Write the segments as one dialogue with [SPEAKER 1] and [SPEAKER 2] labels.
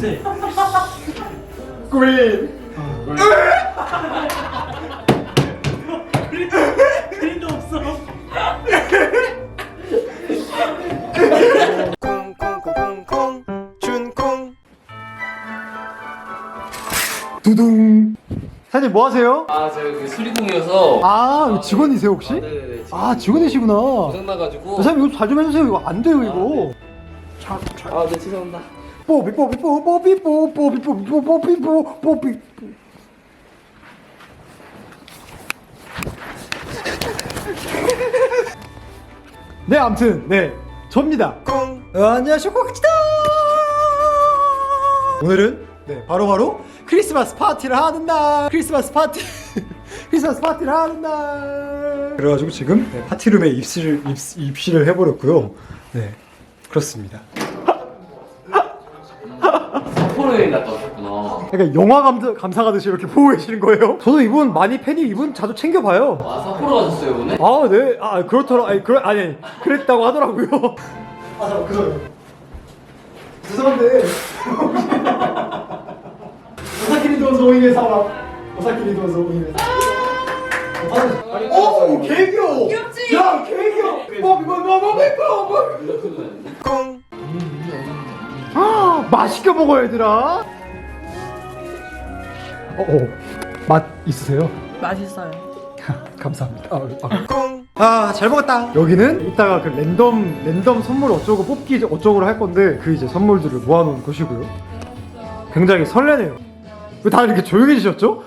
[SPEAKER 1] 뭔데?
[SPEAKER 2] 그린.
[SPEAKER 1] 그림도 없어.
[SPEAKER 3] 콩콩콩콩콩 준콩.
[SPEAKER 2] 두둥. 사장님 뭐 하세요?
[SPEAKER 4] 아, 제가 그 수리공이어서.
[SPEAKER 2] 아, 직원이세요 혹시?
[SPEAKER 4] 네네네.
[SPEAKER 2] 아, 직원이시구나.
[SPEAKER 4] 고장 나가지고.
[SPEAKER 2] 사장님 이거 잘 좀 해주세요. 이거 안 돼요 이거.
[SPEAKER 4] 아, 네, 죄송합니다.
[SPEAKER 2] 뽀삐 뽀삐 뽀삐 뽀삐 뽀삐 뽀삐 뽀삐 뽀삐. 네, 아무튼 네, 접니다.
[SPEAKER 3] 콩.
[SPEAKER 2] 안녕하세요, 코키다. 오늘은 네, 바로 크리스마스 파티를 하는 날. 크리스마스 파티를 하는 날. 그래가지고 지금 네, 파티룸에 입실을 해버렸고요. 네, 그렇습니다.
[SPEAKER 4] 삿포로 여행 갔다 오셨구나.
[SPEAKER 2] 그러니까 영화 감사 가듯이 이렇게 보고 계시는 거예요? 저도 이분 많이 팬이 이분 자주 챙겨봐요.
[SPEAKER 4] 아, 삿포로 가셨어요, 오늘?
[SPEAKER 2] 아, 네. 아, 그렇더라. 아니, 그랬다고 하더라고요. 아, 잠깐, 그거요. 죄송한데. 오사키니 도소이네 사와. 오사키니 도소이네 사와. 오, 개 귀여워.
[SPEAKER 5] 귀엽지?
[SPEAKER 2] 야, 개 귀여워. 뭐.
[SPEAKER 3] 콩.
[SPEAKER 2] 아, 맛있게 먹어, 얘들아. 맛 있으세요?
[SPEAKER 5] 맛있어요.
[SPEAKER 2] 감사합니다.
[SPEAKER 3] 콩.
[SPEAKER 2] 아, 잘 먹었다. 여기는 이따가 그 랜덤 선물 어쩌고 뽑기 어쩌고를 할 건데 그 이제 선물들을 모아놓은 곳이고요. 굉장히 설레네요. 왜 다들 이렇게 조용해지셨죠?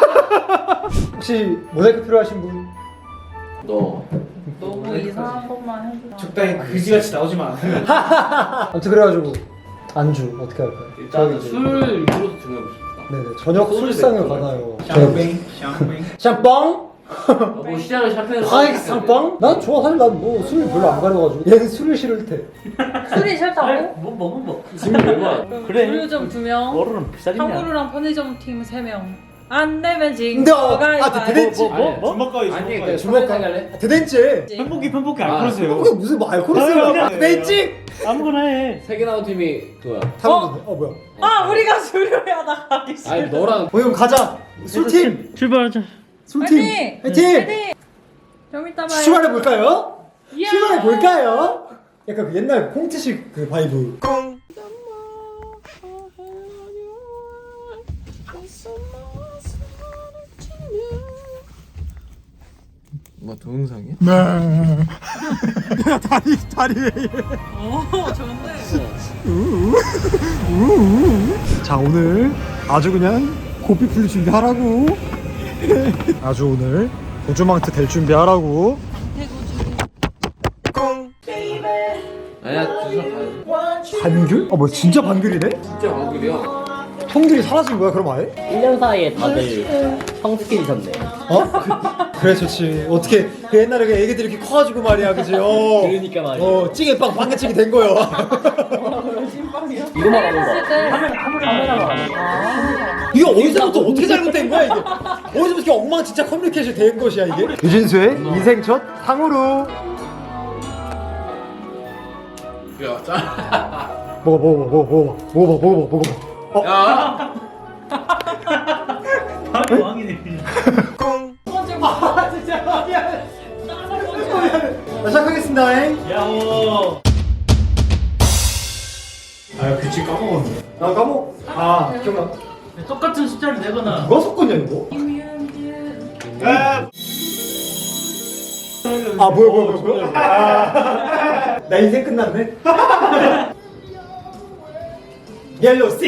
[SPEAKER 2] 혹시 모자이크 필요하신 분?
[SPEAKER 4] 너.
[SPEAKER 5] 너무 이상한 것만 해줘.
[SPEAKER 1] 적당히 그지같이 나오지 마.
[SPEAKER 2] 아무튼 그래가지고 안주 어떻게 할까요?
[SPEAKER 4] 일단
[SPEAKER 2] 저기
[SPEAKER 4] 술 위주로 정해보십시다.
[SPEAKER 2] 네네, 저녁
[SPEAKER 4] 소주
[SPEAKER 2] 술상을
[SPEAKER 4] 낼
[SPEAKER 2] 받아요.
[SPEAKER 1] 샹뱅, 샹뱅.
[SPEAKER 2] 샴빵?
[SPEAKER 4] 뭐 시작을 샴페인으로.
[SPEAKER 2] 하이 샴빵? 난 좋아. 사실 난 뭐 술 별로 안 가려가지고 얘는 술을 싫을 테.
[SPEAKER 5] 술이 싫다고?
[SPEAKER 1] 뭐 먹은 뭐.
[SPEAKER 4] 지금 얼마?
[SPEAKER 1] 그래.
[SPEAKER 5] 물류점 2명,
[SPEAKER 1] 얼음은 비싸겠냐?
[SPEAKER 5] 탕후루랑 편의점 팀 3명. 안 되면 지금
[SPEAKER 2] 대댄지.
[SPEAKER 1] 주먹가위,
[SPEAKER 4] 아니,
[SPEAKER 1] 주먹가위.
[SPEAKER 4] 주먹 갈래?
[SPEAKER 2] 대댄지.
[SPEAKER 1] 편복이
[SPEAKER 4] 아,
[SPEAKER 1] 알코올세요.
[SPEAKER 2] 그게 무슨 뭐 알코올이야? 대댄지.
[SPEAKER 1] 아무거나 해.
[SPEAKER 4] 세 개 나온 팀이 그거야.
[SPEAKER 2] 뭐야?
[SPEAKER 5] 아 우리가 수료하다 가기 싫어.
[SPEAKER 4] 아니, 너랑.
[SPEAKER 2] 그럼 가자. 술팀.
[SPEAKER 1] 출발하자.
[SPEAKER 2] 술팀. 화이팅.
[SPEAKER 5] 좀 이따 봐요.
[SPEAKER 2] 출발해 볼까요?
[SPEAKER 5] 예.
[SPEAKER 2] 출발해 볼까요? 약간 그 옛날 콩트식 그 바이브.
[SPEAKER 3] 콩.
[SPEAKER 4] 뭐, 동영상이야?
[SPEAKER 2] 다리.
[SPEAKER 5] 오 좋은데.
[SPEAKER 2] 자, 오늘 아주 그냥 고삐 풀릴 준비하라고. 아주 오늘 우주망트 될 준비하라고.
[SPEAKER 3] 콩.
[SPEAKER 4] 아니야, 두상 가야지.
[SPEAKER 2] 반귤? 뭐 진짜 반귤이네?
[SPEAKER 4] 진짜 방글이야.
[SPEAKER 2] 형들이 사라진 거야 그럼 아예?
[SPEAKER 6] 1년 사이에 다들 성숙해지셨네.
[SPEAKER 2] 그래 좋지. 어떻게 그 옛날에 그 애기들이 이렇게 커가지고 말이야, 그지?
[SPEAKER 6] 그러니까 말이야.
[SPEAKER 2] 찌개빵 방개찌개 된 거요.
[SPEAKER 6] 이거 말하는 거.
[SPEAKER 5] 카메라가
[SPEAKER 2] 이게 어디서부터 어떻게 잘못된 거야 이게? 어디서부터 이렇게 엉망진창 커뮤니케이션 된 것이야 이게? 유진수의 인생 첫 탕후루.
[SPEAKER 4] 야, 짜.
[SPEAKER 2] 먹어봐.
[SPEAKER 4] 야!
[SPEAKER 1] 바로 왕이네.
[SPEAKER 3] 콩.
[SPEAKER 2] 진짜 미안해. 자, 시작하겠습니다.
[SPEAKER 1] 야호. 아 규칙 까먹었네.
[SPEAKER 2] 나 까먹. 기억나.
[SPEAKER 1] 똑같은 숫자를 내거나.
[SPEAKER 2] 누가 섞었냐 이거? 뭐야. 나 인생 끝났네. 옐로우 6.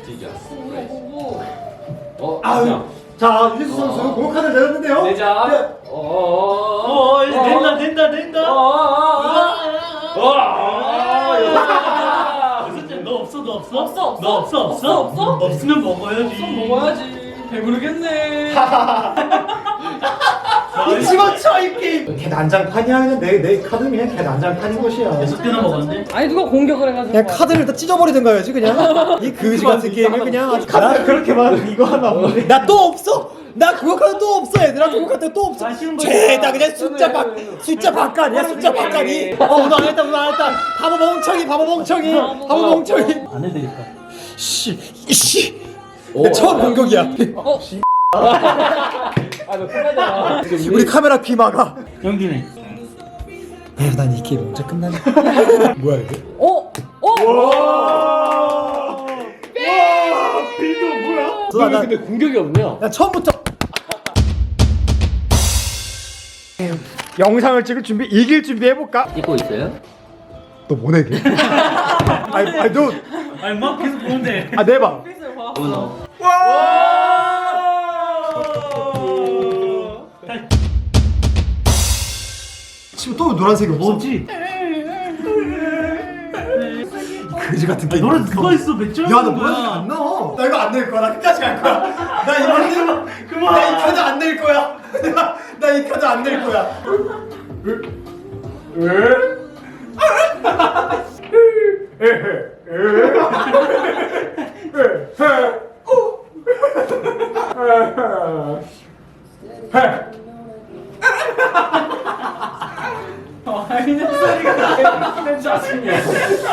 [SPEAKER 4] 아유.
[SPEAKER 2] 자, 유진수 선수 공격 카드를 내렸는데요.
[SPEAKER 4] 내자.
[SPEAKER 1] 어 이제 된다. 너 없어?
[SPEAKER 5] 없어?
[SPEAKER 1] 없으면 먹어야지.
[SPEAKER 5] 먹어야지. 배부르겠네.
[SPEAKER 2] 이 집어쳐 이 게임. 걔 난장판이야. 그냥 내 카드는 그냥 걔 난장판인 것이야.
[SPEAKER 1] 6개나 먹었는데?
[SPEAKER 5] 아니 누가 공격을 해가지고.
[SPEAKER 2] 그냥 카드를 다 찢어버리든가 해야지 그냥. 이 그지 같은 게임을 그냥 아주 카드 그렇게 많은 이거 하나 없네. 나 또 없어. 나 그거 카드 또 없어. 얘들아 그거 카드 또 없어.
[SPEAKER 1] 아쉬운 거
[SPEAKER 2] 죄다 그냥 숫자 바깥이야. 숫자 바깥이. 오늘 안 했다. 바보 멍청이.
[SPEAKER 1] 안 해드릴까?
[SPEAKER 2] 씨.
[SPEAKER 4] 오,
[SPEAKER 2] 내 처음 공격이야.
[SPEAKER 4] 아너 끝나잖아.
[SPEAKER 2] 우리 카메라 귀 막아.
[SPEAKER 1] 영준이.
[SPEAKER 2] 에휴, 난 이 게임 언제 끝나냐? 뭐야 이게? 빌드 뭐야?
[SPEAKER 4] 너 근데 공격이 없냐?
[SPEAKER 2] 나 처음부터 영상을 찍을 준비, 이길 준비 해볼까?
[SPEAKER 6] 찍고 있어요?
[SPEAKER 2] 너 뭐네 걔? 아니 너,
[SPEAKER 1] 아니 막 계속 보는데.
[SPEAKER 2] 내봐.
[SPEAKER 6] 문어.
[SPEAKER 2] 지금 또 노란색이 없어.
[SPEAKER 1] 뭐지?
[SPEAKER 2] 그지 같은 게임.
[SPEAKER 1] 노래 누가 있어? 몇 점?
[SPEAKER 2] 야, 너 노란색 안 나와. 나 이거 안 낼 거야. 나 끝까지 갈 거야. 나 이거
[SPEAKER 1] 그만.
[SPEAKER 2] 나 이 카드 안 낼 거야. 나 이 카드 안 낼 거야.
[SPEAKER 1] 아이는 소리가 나. 짜증이야.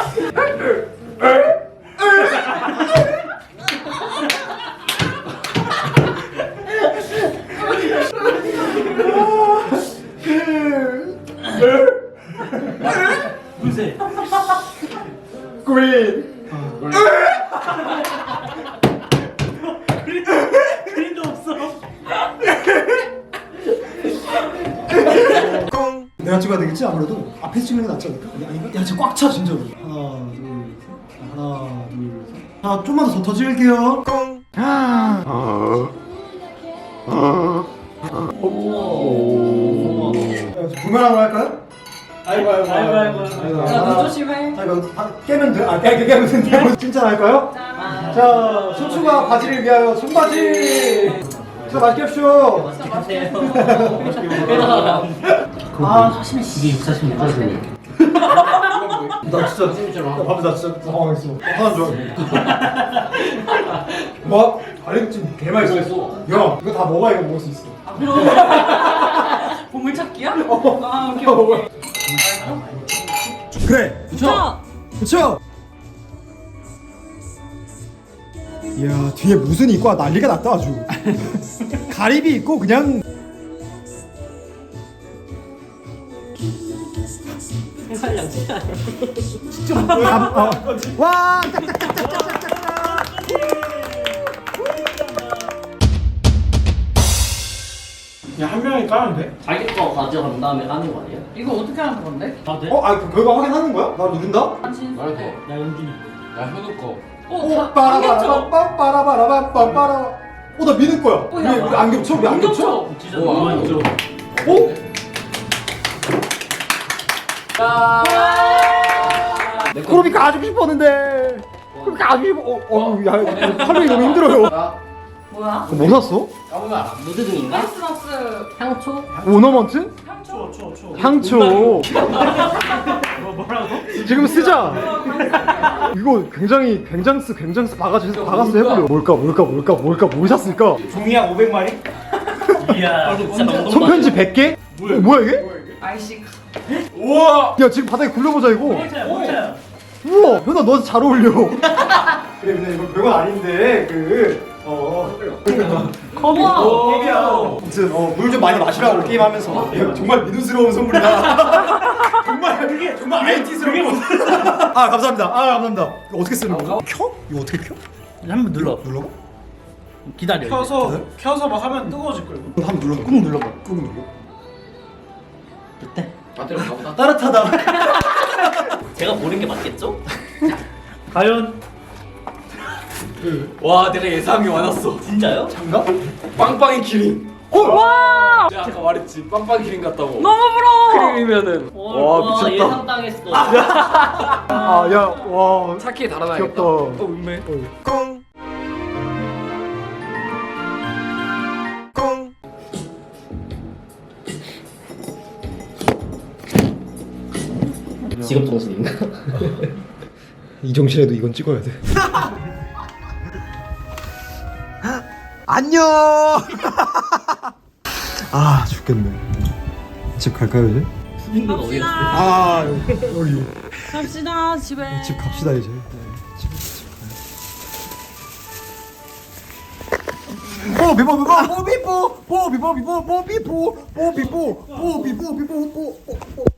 [SPEAKER 1] 무슨?
[SPEAKER 2] 그린.
[SPEAKER 1] 그림도 없어.
[SPEAKER 3] 콩
[SPEAKER 2] 내가 찍어야 되겠지 아무래도. 앞에서 찍는 게 낫지 않을까? 아닌가? 야, 진짜 꽉 차 진짜로. 하나, 둘, 셋. 하나, 둘, 셋. 자, 좀만 더 찍을게요.
[SPEAKER 3] 콩
[SPEAKER 2] 부메랑으로 할까요? 아이고.
[SPEAKER 5] 야, 눈 조심해.
[SPEAKER 2] 자, 이거 깨면 돼? 깨면 된다고. 진짜 할까요? 자, 소추가 바지를 위하여 손바지. 자, 맛있게 합시오.
[SPEAKER 1] 사실 이게 646까지.
[SPEAKER 2] 나 진짜
[SPEAKER 4] 찜이잖아.
[SPEAKER 2] 밥이 나 진짜 당황했어. 하나 줘. 뭐? 다리찜 개 맛있어. 야, 이거 다 먹어야 이거 먹을 수 있어.
[SPEAKER 5] 보물찾기야? 아, 오케이.
[SPEAKER 2] 그래.
[SPEAKER 5] 자,
[SPEAKER 2] 그쵸? 이야, 뒤에 무슨 이과 난리가 났다 아주. 가리비 있고 그냥. 와,
[SPEAKER 1] 한 명이 까면 돼?
[SPEAKER 6] 자기 거 가져간 다음에 까는 거 아니야?
[SPEAKER 5] 이거 어떻게 하는 건데?
[SPEAKER 1] 아 돼?
[SPEAKER 2] 그거 확인하는 거야? 나 누른다?
[SPEAKER 5] 당신.
[SPEAKER 4] 말해 돼.
[SPEAKER 1] 야 영준이.
[SPEAKER 4] 야 현우 거.
[SPEAKER 5] 다
[SPEAKER 2] 빠라바라바빠라바라바빠라. 나 믿을 거야. 왜 안 겹쳐? 왜 안 겹쳐?
[SPEAKER 1] 진짜
[SPEAKER 4] 우와.
[SPEAKER 1] 너무 있죠.
[SPEAKER 2] 코로비 가지고 싶었는데. 코로비 가지고 싶어. 야, 팔이 너무 힘들어요.
[SPEAKER 5] 뭐야?
[SPEAKER 2] 뭐 샀어?
[SPEAKER 4] 까보면 알아.
[SPEAKER 6] 무드등인가?
[SPEAKER 5] 크리스마스
[SPEAKER 6] 향초?
[SPEAKER 2] 오너먼트?
[SPEAKER 5] 향초.
[SPEAKER 2] 향초.
[SPEAKER 1] 뭐라고?
[SPEAKER 2] 지금 쓰자. 이거 굉장히 굉장스 바가스 해버려. 뭘까 뭘 샀을까?
[SPEAKER 1] 종이약 500마리? 이야.
[SPEAKER 6] 진짜 명동
[SPEAKER 2] 손편지 100개? 뭐야 이게?
[SPEAKER 5] 아이씨.
[SPEAKER 1] 우와.
[SPEAKER 2] 야, 지금 바닥에 굴려보자 이거.
[SPEAKER 1] 뭐야?
[SPEAKER 2] 우와, 현아 너 잘 어울려. 그래, 근데 이거 별건 아닌데
[SPEAKER 5] 우와.
[SPEAKER 2] 아무튼 물 좀 많이 마시라고 게임하면서. 정말 믿음스러운 선물이다. 정말 IT스러운. 아, 감사합니다. 이거 어떻게 쓰는 거야? 켜? 이거 어떻게 켜?
[SPEAKER 1] 한번 눌러.
[SPEAKER 2] 눌러봐.
[SPEAKER 1] 기다려. 켜서 막 하면 뜨거워질 거예요.
[SPEAKER 2] 한번 눌러. 꾹 눌러봐. 꾹 눌러.
[SPEAKER 4] 배터리 가보다.
[SPEAKER 2] 따뜻하다.
[SPEAKER 6] 제가 고른 게 맞겠죠?
[SPEAKER 1] 과연
[SPEAKER 4] 와 내가 예상이 많았어.
[SPEAKER 6] 진짜요?
[SPEAKER 2] 장갑?
[SPEAKER 4] 빵빵이 키링.
[SPEAKER 5] 와.
[SPEAKER 4] 내가 아까 말했지. 빵빵이 키링 같다고.
[SPEAKER 5] 너무 부러워.
[SPEAKER 4] 크림이면은
[SPEAKER 6] 와 예상 당했어.
[SPEAKER 2] 아, 야, 와.
[SPEAKER 4] 차키에 달아놔야겠다.
[SPEAKER 2] 귀엽다.
[SPEAKER 4] 운매.
[SPEAKER 3] 콩 콩
[SPEAKER 6] 직업 정신인가?
[SPEAKER 2] 이 정신에도 이건 찍어야 돼. 안녕. 아, 죽겠네. 집 갈까요 이제?
[SPEAKER 6] 수빈이가 어디 갔어?
[SPEAKER 2] 아, 여기
[SPEAKER 5] 갑시다 집에.
[SPEAKER 2] 집 갑시다 이제. 집 가요. 뽀비뽀 뽀비뽀 뽀비뽀 뽀비뽀 뽀비뽀 뽀비뽀 뽀비뽀 뽀비뽀